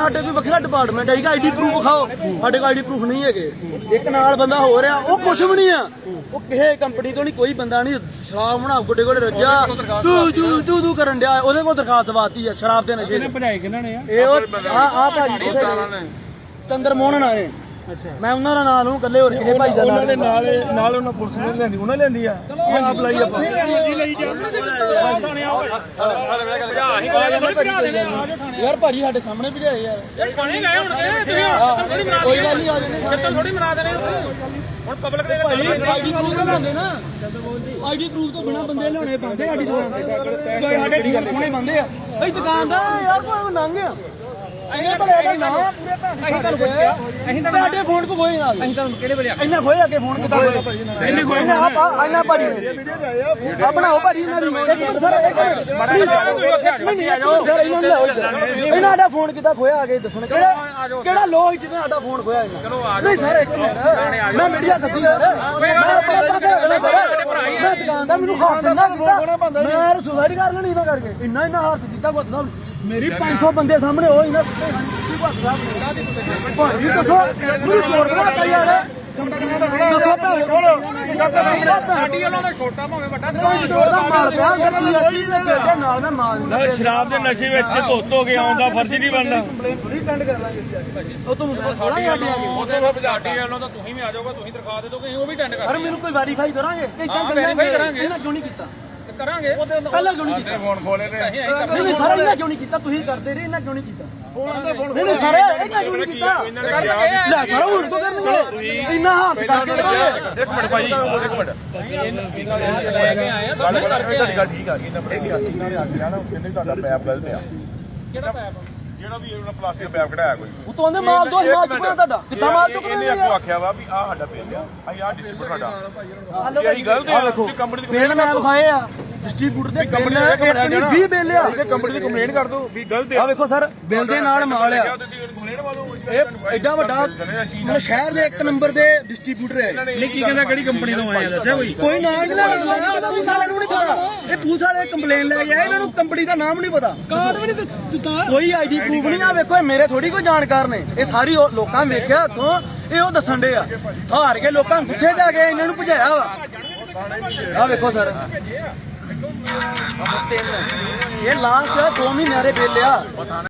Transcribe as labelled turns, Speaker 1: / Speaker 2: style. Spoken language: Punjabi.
Speaker 1: ਸਾਡੇ ਕੋਈ ਵੱਖਰਾ ਡਿਪਾਰਟਮੈਂਟ ਹੈ ਆਈਡੀ ਪ੍ਰੂਫ ਵਿਖਾਓ ਸਾਡੇ ਕੋਲ ਆਈਡੀ ਪ੍ਰੂਫ ਨਹੀਂ ਹੈਗੇ ਇੱਕ ਨਾਲ ਬੰਦਾ ਹੋ ਰਿਹਾ ਉਹ ਕੁਛ ਵੀ ਨਹੀਂ ਆ ਉਹ ਕਿਸੇ ਕੰਪਨੀ ਤੋਂ ਨਹੀਂ ਕੋਈ ਬੰਦਾ ਨਹੀਂ ਸ਼ਰਾਬ ਬਣਾ ਗੋਡੇ ਗੋਡੇ ਰੱਜਾ ਤੂੰ ਕਰਨ ਡਿਆ ਉਹਦੇ ਕੋਲ ਦਰਖਾਸਤ ਦਵਾਤੀ ਆ ਸ਼ਰਾਬ ਦੇ ਨਸ਼ੇ ਨੇ ਭਜਾਏ ਕਿਹਨਾਂ ਨੇ ਇਹ ਆ ਭਾਜੀ ਚੰਦਰ ਮੋਹਨ ਆਏ ਮੈਂ ਉਹਨਾਂ ਦਾ ਨਾਮ ਲਊਂ ਕੱਲੇ ਹੋਰ ਕਿਸੇ ਭਾਈ ਦਾ ਨਾਮ ਨਾਲ ਉਹਨਾਂ ਪੁਲਿਸ ਨੇ ਲੈਂਦੀ ਉਹਨਾਂ ਲੈਂਦੀ ਆ ਆਪ ਲਈ ਆਪਾਂ ਯਾਰ ਭਾਜੀ ਸਾਡੇ ਸਾਹਮਣੇ ਭਜਾਏ ਯਾਰ ਪਾਣੀ ਗਏ ਹੁਣ ਕੋਈ ਗੱਲ ਨਹੀਂ ਆ ਜਾਂਦੇ ਥੋੜੀ ਮਨਾ ਦੇਣੇ ਹੁਣ ਪਬਲਿਕ ਦੇ ਆਈਡੀ ਪ੍ਰੂਫ ਲਾਉਂਦੇ ਨਾ ਆਈਡੀ ਪ੍ਰੂਫ ਤੋਂ ਬਿਨਾ ਬੰਦੇ ਲਿਆਉਣੇ ਬੰਦੇ ਸਾਡੀ ਦੁਕਾਨ ਤੇ ਕੋਈ ਸਾਡੇ ਠੀਕ ਕੋਣੇ ਬੰਦੇ ਆ ਬਈ ਦੁਕਾਨ ਦਾ ਯਾਰ ਕੋਈ ਨੰਗ ਆ ਅਸੀਂ ਤੁਹਾਨੂੰ ਪੁੱਛਿਆ ਅਸੀਂ ਤੁਹਾਡੇ ਫੋਨ ਕੋ ਖੋਏ ਨਾਲ ਅਸੀਂ ਤੁਹਾਨੂੰ ਕਿਹੜੇ ਵੇਲੇ ਇੰਨਾ ਖੋਏ ਅੱਗੇ ਫੋਨ ਕਿੱਦਾਂ ਖੋਏ ਇੰਨੇ ਖੋਏ ਇੰਨਾ ਭਾਜੀ ਆ ਬਣਾਓ ਭਾਜੀ ਇਹਨਾਂ ਦੀ ਇੱਕ ਮਿੰਟ ਸਰ ਇੱਕ ਮਿੰਟ ਨਹੀਂ ਆ ਜਾਓ ਸਰ ਇਹਨਾਂ ਦਾ ਫੋਨ ਕਿੱਦਾਂ ਖੋਇਆ ਆ ਕੇ ਦੱਸਣ ਕਿਹੜਾ ਲੋਕ ਜਿਹਨੇ ਸਾਡਾ ਫੋਨ ਖੋਇਆ ਨਹੀਂ ਸਰ ਇੱਕ ਮਿੰਟ ਮੈਂ ਮੀਡੀਆ ਸੱਦੀ ਸਰ ਮੈਂ ਦੁਕਾਨ ਦਾ ਮੈਨੂੰ ਹੱਥ ਨਾ ਮੈਂ ਸੁਸਾਇਡ ਕਰ ਲੈਣੀ ਇਹਦਾ ਕਰਕੇ ਇੰਨਾ ਹੱਥ ਦਿੱਤਾ ਕੋਈ ਮੇਰੀ 500 ਬੰਦੇ ਸਾਹਮਣੇ ਉਹ ਇਹਨਾਂ ਭਾਜੀ ਦੱਸੋ ਮੈਨੂੰ ਚੋਰ ਬਣਾਤਾ ਯਾਰ ਦੱਸੋ ਸਾਡੀ ਵੱਲੋਂ ਤਾਂ ਛੋਟਾ ਭਾਵੇਂ ਵੱਡਾ ਦੁਕਾਨ ਦਾ ਮਾਲ ਪਿਆ ਅੰਦਰ ਜੀਐਸਟੀ ਦੇ ਪੇਟੇ ਨਾਲ ਮੈਂ ਮਾਲ
Speaker 2: ਸ਼ਰਾਬ ਦੇ ਨਸ਼ੇ ਵਿੱਚ ਧੁੱਤ ਹੋ ਕੇ ਆਉਣ ਦਾ ਫਰਜ਼ ਨਹੀਂ ਬਣਦਾ
Speaker 1: ਥੋੜੀ ਟੈਂਡ ਕਰ ਲਾਂਗੇ ਉਹ ਤੂੰ ਸਾਡੀ
Speaker 2: ਉਹਦੇ ਵਿੱਚ ਸਾਡੀ ਵੱਲੋਂ ਤਾਂ ਤੁਸੀਂ ਵੀ ਆ ਜਾਓਗੇ ਤੁਸੀਂ ਦਰਖਾਸਤ ਦੇ ਦੋਗੇ ਉਹ ਵੀ ਟੈਂਡ ਕਰ
Speaker 1: ਅਰੇ ਮੈਨੂੰ ਕੋਈ ਵੈਰੀਫਾਈ ਕਰਾਂਗੇ ਇਦਾਂ
Speaker 2: ਵੈਰੀਫਾਈ ਕਰਾਂਗੇ
Speaker 1: ਇਹਨਾਂ ਕਿਉਂ ਨਹੀਂ ਕੀਤਾ
Speaker 2: ਕਰਾਂਗੇ
Speaker 1: ਪਹਿਲਾਂ ਕਿਉਂ ਨਹੀਂ ਕੀਤਾ
Speaker 2: ਫੋਨ ਖੋਲੇ ਤੇ
Speaker 1: ਨਹੀਂ ਸਾਰਾ ਇਹਨਾਂ ਕਿਉਂ ਨਹੀਂ ਕੀਤਾ ਤੁਸੀਂ ਕਰਦੇ ਰਹੇ ਇਹਨਾਂ ਕਿਉਂ ਨਹੀਂ ਕੀਤਾ ਨਹੀਂ ਸਾਰੇ ਇਹਨਾਂ ਕਿਉਂ ਨਹੀਂ ਕੀਤਾ ਲੈ ਸਾਰਾ ਹੁਣ ਤੋਂ ਕਰਨਗੇ ਇੰਨਾ ਹਾਸ ਕਰਕੇ ਕਰੋਗੇ
Speaker 2: ਇੱਕ ਮਿੰਟ ਭਾਈ ਇੱਕ ਮਿੰਟ ਲੈ ਕੇ ਆਏ ਆ ਸਭ ਕਰਕੇ ਗੱਲ ਠੀਕ ਆ ਇਹਨਾਂ ਕਹਿੰਦੇ ਤੁਹਾਡਾ ਪੈਪ ਗਲਤ ਆ ਕਿਹੜਾ ਪੈਪ ਜਿਹੜਾ ਵੀ ਉਹਨਾਂ ਪਲਾਸਟਿਕ ਪੈਪ ਕਢਾਇਆ ਕੋਈ
Speaker 1: ਉਤੋਂ ਆਂਦੇ ਮਾਲ ਦੋ ਮਾਲ ਚੁੱਕਣਾ ਤੁਹਾਡਾ ਕਿੱਦਾਂ ਮਾਲ ਚੁੱਕਣਾ
Speaker 2: ਇਹਨੇ ਅੱਗੋਂ ਆਖਿਆ ਵਾ ਵੀ ਆਹ ਸਾਡਾ ਬਿੱਲ ਆ ਆਹ ਡਿਸਟ੍ਰੀਬਿਊਟਰ ਸਾਡਾ ਇਹ ਗਲਤ ਆ ਤੁਸੀਂ ਕੰਪਨੀ ਦੀ
Speaker 1: ਬਿੱਲ ਮੈਂ ਵਿਖਾਏ ਆ ਡਿਸਟ੍ਰੀਬਿਊਟਰ ਦੇ ਬਿੱਲ 20 ਬਿੱਲ ਆ
Speaker 2: ਇਹਦੇ ਕੰਪਨੀ ਦੀ ਕੰਪਲੇਂਟ ਕਰ ਦਿਓ ਵੀ ਗਲਤ ਆ
Speaker 1: ਆ ਵੇਖੋ ਸਰ ਬਿੱਲ ਦੇ ਨਾਲ ਮਾਲ ਆ ਇਹ ਐਡਾ ਵੱਡਾ ਮਤਲਬ ਸ਼ਹਿਰ ਦੇ 1 ਨੰਬਰ ਦੇ ਡਿਸਟ੍ਰੀਬਿਊਟਰ ਹੈ
Speaker 2: ਨਹੀਂ ਕੀ ਕਹਿੰਦਾ ਕਿਹੜੀ ਕੰਪਨੀ ਤੋਂ ਆਏ ਆ ਦੱਸਿਆ ਕੋਈ
Speaker 1: ਕੋਈ ਨਾਮ ਨਹੀਂ ਪੁਲਿਸ ਵਾਲਿਆਂ ਨੂੰ ਨਹੀਂ ਪਤਾ ਇਹ ਪੁਲਿਸ ਵਾਲੇ ਕੰਪਲੇਨ ਲੈ ਕੇ ਆਏ ਇਹਨਾਂ ਨੂੰ ਕੰਪਨੀ ਦਾ ਨਾਮ ਨਹੀਂ ਪਤਾ ਕਾਰਡ ਵੀ ਨਹੀਂ ਦਿੱਤਾ ਕੋਈ ਆਈਡੀ ਪ੍ਰੂਫ ਨਹੀਂ ਆ ਵੇਖੋ ਇਹ ਮੇਰੇ ਥੋੜੀ ਕੋਈ ਜਾਣਕਾਰ ਨੇ ਇਹ ਸਾਰੀ ਲੋਕਾਂ ਨੇ ਵੇਖਿਆ ਅੱਗੋਂ ਇਹ ਉਹ ਦੱਸਣ ਦੇ ਆ ਹਾਰ ਕੇ ਲੋਕਾਂ ਗੁੱਸੇ ਜਾ ਕੇ ਇਹਨਾਂ ਨੂੰ ਭਜਾਇਆ ਵਾ ਆ ਵੇਖੋ ਸਰ ਇਹ ਲਾਸਟ 2 ਮਹੀਨਿਆਂ ਦੇ ਬਿੱਲ ਆ